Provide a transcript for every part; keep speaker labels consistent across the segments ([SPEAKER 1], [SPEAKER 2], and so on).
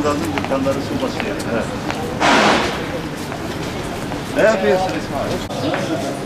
[SPEAKER 1] Alın dükkanları su basıyor. Evet. Ne yapıyorsun İsmail?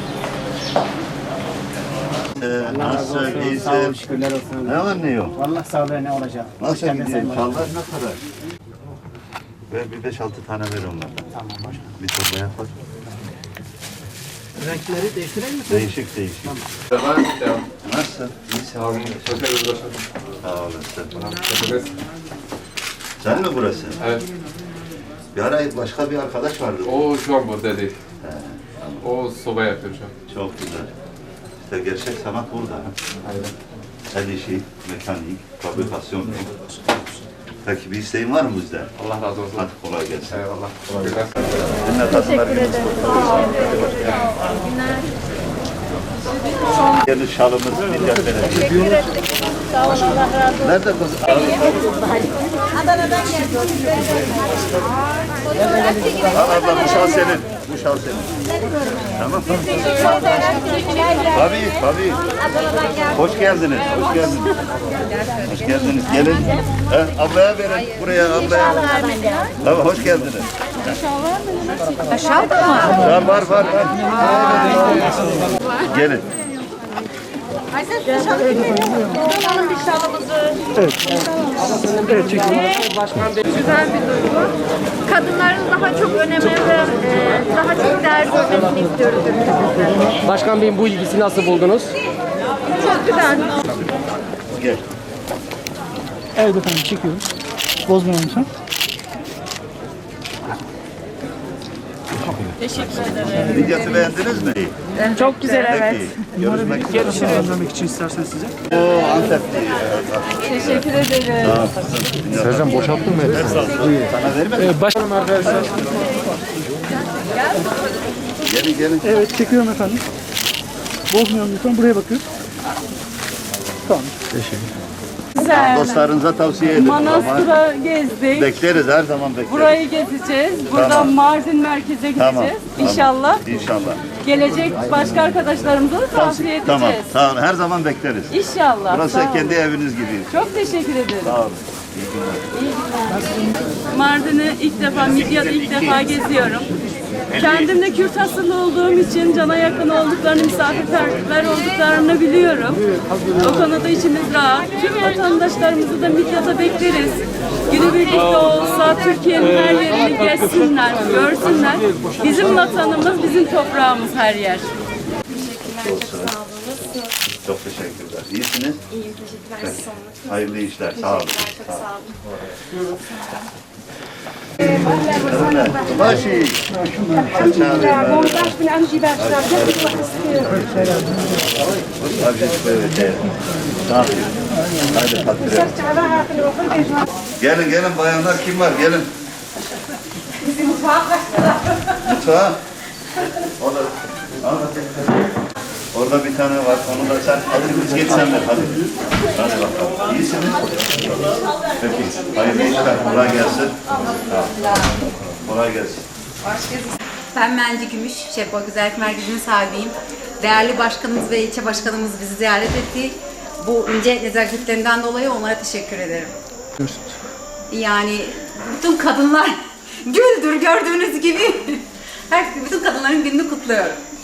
[SPEAKER 1] Nasıl, iyisin?
[SPEAKER 2] Sağ olun, şükürler olsun.
[SPEAKER 1] Ne var ne yok?
[SPEAKER 2] Vallahi sağlığı ne olacak?
[SPEAKER 1] Nasıl gidiyor? Çallar ne kadar? Ver bir 5-6 tane ver onlardan.
[SPEAKER 2] Tamam başkanım.
[SPEAKER 1] Bir torbaya koy.
[SPEAKER 2] Renkleri değiştirelim mi?
[SPEAKER 1] Değişik.
[SPEAKER 3] Tamam.
[SPEAKER 1] Nasılsın? İyisin.
[SPEAKER 3] Sağ olun. Teşekkür ederim.
[SPEAKER 1] Sağ olasın.
[SPEAKER 3] Teşekkür
[SPEAKER 1] Sen mi burası?
[SPEAKER 3] Evet.
[SPEAKER 1] Bir ara başka bir arkadaş vardı.
[SPEAKER 3] O şu an burada değil.
[SPEAKER 1] He,
[SPEAKER 3] O soba yapıyor şu an.
[SPEAKER 1] çok güzel. İşte gerçek sanat burada.
[SPEAKER 3] Aynen.
[SPEAKER 1] El işi, mekanik, fabrikasyon. Peki bir isteğin var mı bizden?
[SPEAKER 3] Allah razı olsun.
[SPEAKER 1] Hadi kolay gelsin.
[SPEAKER 3] Eyvallah. Teşekkürler.
[SPEAKER 1] Dinle kadınlar gününüz kutlu olsun. Yeni şalımız Midyat Belediyesi.
[SPEAKER 4] Teşekkür ettik. Sağ olun, Allah razı olsun.
[SPEAKER 1] Nerede kız?
[SPEAKER 4] Adana'dan geldim.
[SPEAKER 1] Al abla bu şal senin. Bu şal senin. Tamam. Tabii.
[SPEAKER 4] Adana'dan geldim.
[SPEAKER 1] Hoş geldiniz. Hoş geldiniz. Hoş geldiniz. Gelin. Ablaya verin. Buraya ablaya. Tamam hoş geldiniz.
[SPEAKER 4] Aşağı mı?
[SPEAKER 1] Var. Gelin.
[SPEAKER 4] Alalım bir şalımızı.
[SPEAKER 5] Güzel bir duygu. Kadınların daha çok öneme ve daha çok değer görmesini istiyoruz ülkemizde.
[SPEAKER 6] Başkan Bey'in bu ilgisi nasıl buldunuz?
[SPEAKER 5] Çok güzel.
[SPEAKER 1] Gel.
[SPEAKER 2] Evet efendim çekiyorum. Bozmayalım lütfen.
[SPEAKER 1] Midyat'ı beğendiniz mi?
[SPEAKER 5] Çok güzel
[SPEAKER 1] Peki. Görüşmek üzere.
[SPEAKER 2] Göndermek için isterseniz size.
[SPEAKER 1] Oo Antepli.
[SPEAKER 5] Teşekkür ederim.
[SPEAKER 1] Sercan boşalttın mı hepsini? Sana vermedin.
[SPEAKER 6] Başkanım arkadaşlar.
[SPEAKER 1] Gelin.
[SPEAKER 2] Evet çekiyorum efendim. Bozmayalım lütfen. Buraya bakıyoruz. Tamam.
[SPEAKER 1] Dostlarınıza tavsiye edin.
[SPEAKER 7] Manastır'a gezdik.
[SPEAKER 1] Bekleriz her zaman bekleriz.
[SPEAKER 7] Burayı gezeceğiz. Buradan
[SPEAKER 1] Tamam.
[SPEAKER 7] Mardin merkeze gideceğiz.
[SPEAKER 1] Tamam.
[SPEAKER 7] İnşallah.
[SPEAKER 1] İnşallah.
[SPEAKER 7] Gelecek başka arkadaşlarımıza da tavsiye edeceğiz.
[SPEAKER 1] Tamam. Her zaman bekleriz.
[SPEAKER 7] İnşallah.
[SPEAKER 1] Burası
[SPEAKER 7] Sağ olun.
[SPEAKER 1] kendi eviniz gibi.
[SPEAKER 7] Çok teşekkür ederim.
[SPEAKER 1] Sağ olun. İyi günler.
[SPEAKER 7] Mardin'i ilk defa, Midyat'ı ilk defa geziyorum. Kendim de Kürt asıllı olduğum için cana yakın olduklarını, misafirperver olduklarını biliyorum. O konuda içimiz rahat. Tüm vatandaşlarımızı da Midyat'a bekleriz. Günübirlik de olsa Türkiye'nin her yerini gezsinler, görsünler. Bizim vatanımız, bizim toprağımız her yer.
[SPEAKER 1] Çok teşekkürler. İyisiniz?
[SPEAKER 8] İyiyim, teşekkürler.
[SPEAKER 1] Peki.
[SPEAKER 8] Siz sormak.
[SPEAKER 1] Hayırlı işler. Sağ olun.
[SPEAKER 8] Teşekkürler, çok sağ olun.
[SPEAKER 1] Başı. Hadi patlıcan. Gelin bayanlar kim var? Gelin. Mutfağa. Orada bir tane var. Onu da sen hadi biz geç sen ver hadi. Hadi bakalım. İyisiniz? Peki. Hayırlı işler. Kolay gelsin. Kolay gelsin.
[SPEAKER 8] Ben Menci Gümüş, Şepo Güzellik Merkezi'nin sahibiyim. Değerli başkanımız ve ilçe başkanımız bizi ziyaret etti. Bu ince nezaketlerinden dolayı onlara teşekkür ederim. Yani bütün kadınlar güldür gördüğünüz gibi. Bütün kadınların gününü kutluyorum.